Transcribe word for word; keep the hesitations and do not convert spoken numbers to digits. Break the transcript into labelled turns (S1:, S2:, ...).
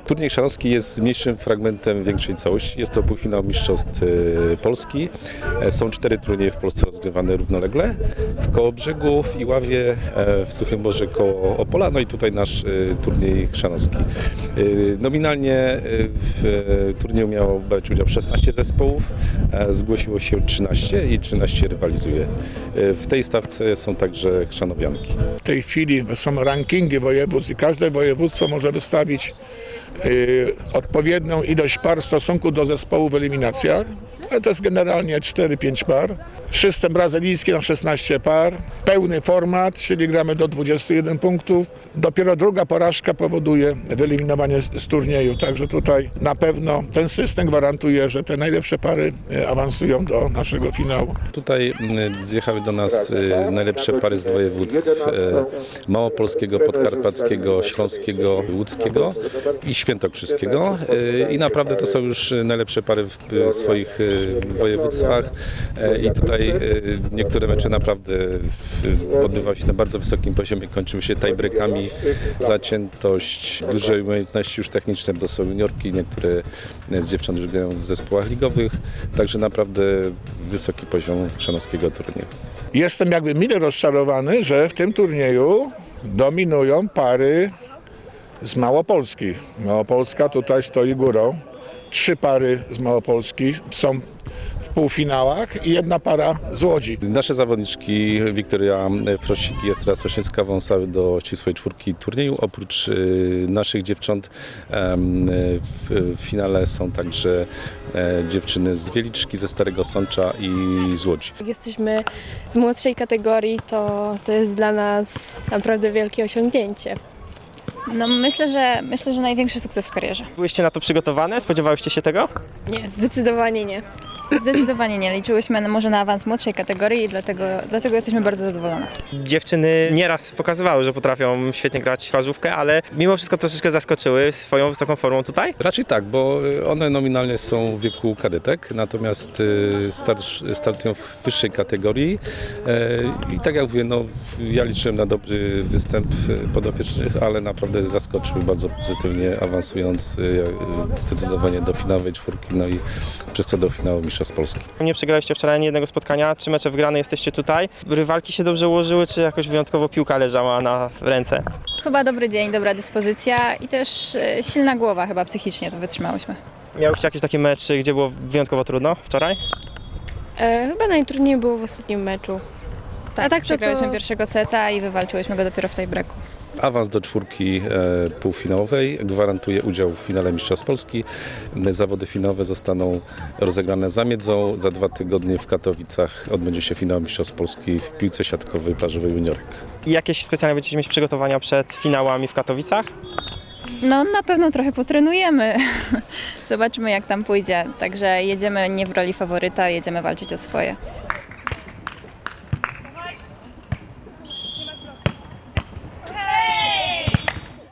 S1: Turniej chrzanowski jest mniejszym fragmentem większej całości. Jest to półfinał Mistrzostw Polski. Są cztery turnieje w Polsce rozgrywane równolegle. W Kołobrzegu, w Iławie, w Suchym Borze koło Opola, no i tutaj nasz turniej chrzanowski. Nominalnie w turnieju miało brać udział szesnaście zespołów, zgłosiło się trzynaście i trzynaście rywalizuje. W tej stawce są także chrzanowianki.
S2: W tej chwili są rankingi województw i każde województwo może wystawić y, odpowiednią ilość par w stosunku do zespołu w eliminacjach. Ale to jest generalnie cztery pięć par. System brazylijski na szesnaście par. Pełny format, czyli gramy do dwudziestu jeden punktów. Dopiero druga porażka powoduje wyeliminowanie z, z turnieju. Także tutaj na pewno ten system gwarantuje, że te najlepsze pary awansują do naszego finału.
S1: Tutaj zjechały do nas najlepsze pary z województw małopolskiego, podkarpackiego, śląskiego, łódzkiego i świętokrzyskiego. I naprawdę to są już najlepsze pary w swoich województwach i tutaj niektóre mecze naprawdę odbywały się na bardzo wysokim poziomie, kończyły się tiebreakami, zaciętość, duże umiejętności już techniczne, bo są juniorki, niektóre z dziewcząt już grają w zespołach ligowych, także naprawdę wysoki poziom chrzanowskiego turnieju.
S2: Jestem jakby mile rozczarowany, że w tym turnieju dominują pary z Małopolski. Małopolska tutaj stoi górą. Trzy pary z Małopolski są w półfinałach i jedna para z Łodzi.
S1: Nasze zawodniczki Wiktoria Frosik i Estra Soszyńska awansowały do ścisłej czwórki turnieju. Oprócz naszych dziewcząt w finale są także dziewczyny z Wieliczki, ze Starego Sącza i z Łodzi.
S3: Jak jesteśmy z młodszej kategorii, to, to jest dla nas naprawdę wielkie osiągnięcie.
S4: No myślę, że myślę, że największy sukces w karierze.
S5: Byłyście na to przygotowane? Spodziewałyście się tego?
S3: Nie, zdecydowanie nie.
S4: Zdecydowanie nie. Liczyłyśmy na- może na awans młodszej kategorii i dlatego, dlatego jesteśmy bardzo zadowolone.
S5: Dziewczyny nieraz pokazywały, że potrafią świetnie grać w plażówkę, ale mimo wszystko troszeczkę zaskoczyły swoją wysoką formą tutaj.
S1: Raczej tak, bo one nominalnie są w wieku kadetek, natomiast start- startują w wyższej kategorii i tak jak mówię, no, ja liczyłem na dobry występ podopiecznych, ale naprawdę zaskoczyły bardzo pozytywnie, awansując zdecydowanie do finałowej czwórki, no i przez to do finału Mistrzostw Polski.
S5: Nie przegraliście wczoraj ani jednego spotkania, trzy mecze wygrane, jesteście tutaj. Rywalki się dobrze ułożyły, czy jakoś wyjątkowo piłka leżała na ręce?
S4: Chyba dobry dzień, dobra dyspozycja i też e, silna głowa, chyba psychicznie to wytrzymałyśmy.
S5: Miałyście jakieś takie mecze, gdzie było wyjątkowo trudno wczoraj?
S3: E, chyba najtrudniej było w ostatnim meczu.
S4: Tak,
S3: A tak to,
S4: przegrałyśmy
S3: to...
S4: pierwszego seta i wywalczyłyśmy go dopiero w tej breaku.
S1: Awans do czwórki e, półfinałowej gwarantuje udział w finale Mistrzostw Polski. Zawody finałowe zostaną rozegrane za Miedzą. Za dwa tygodnie w Katowicach odbędzie się finał Mistrzostw Polski w piłce siatkowej plażowej juniorek.
S5: I jakieś specjalne będziecie mieć przygotowania przed finałami w Katowicach?
S4: No na pewno trochę potrenujemy. Zobaczymy jak tam pójdzie. Także jedziemy nie w roli faworyta, jedziemy walczyć o swoje.